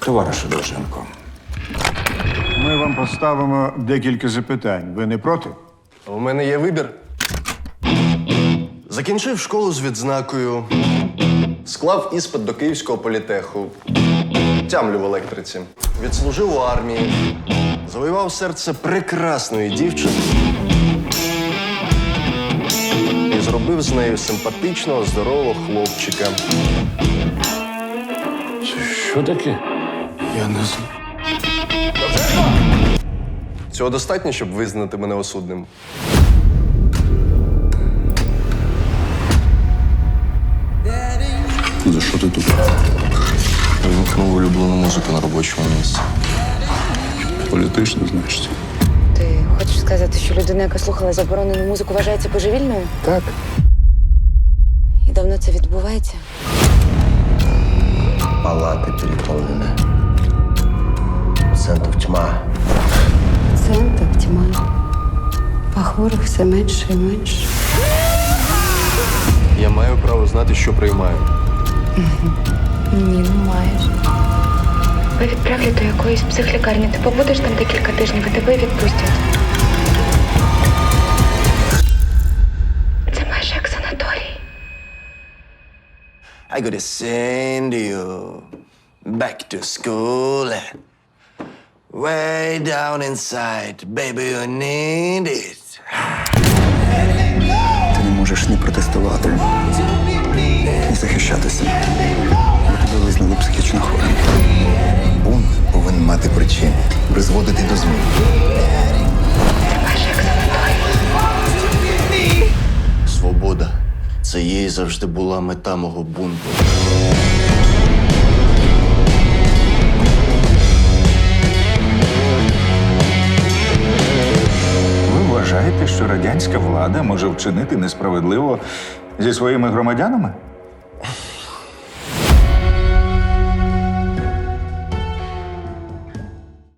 Товаришу Довженко, Ми вам поставимо декілька запитань. Ви не проти? У мене є вибір. Закінчив школу з відзнакою, склав іспит до Київського політеху, тямлю в електриці, відслужив у армії, завоював серце прекрасної дівчини і зробив з нею симпатичного, здорового хлопчика. що таке? Я не знаю. Цього достатньо, щоб визнати мене осудним. За що ти тут? Вимкнув улюблену музику на робочому місці. Політично, значить. Ти хочеш сказати, що людина, яка слухала заборонену музику, вважається божевільною? Так. І давно це відбувається? Палати переповнені. Центр тьма. Центр тьма. А хворих все менше і менше. Я маю право знати, що приймаю. Ні, не маєш. Ви відправлять до якоїсь психлікарні. Ти побудеш там декілька тижнів, і тебе відпустять. Це майже як санаторій. I gotta send you back to school. Way down inside, baby, you need it. Ти не можеш ні протестувати, ні захищатися. Бо тебе визнали психічно хворим. Бунт повинен мати причини, призводити до змін. Це майже як санаторій. Свобода. Це їй завжди була мета мого бунту. Ви вважаєте, що радянська влада може вчинити несправедливо зі своїми громадянами?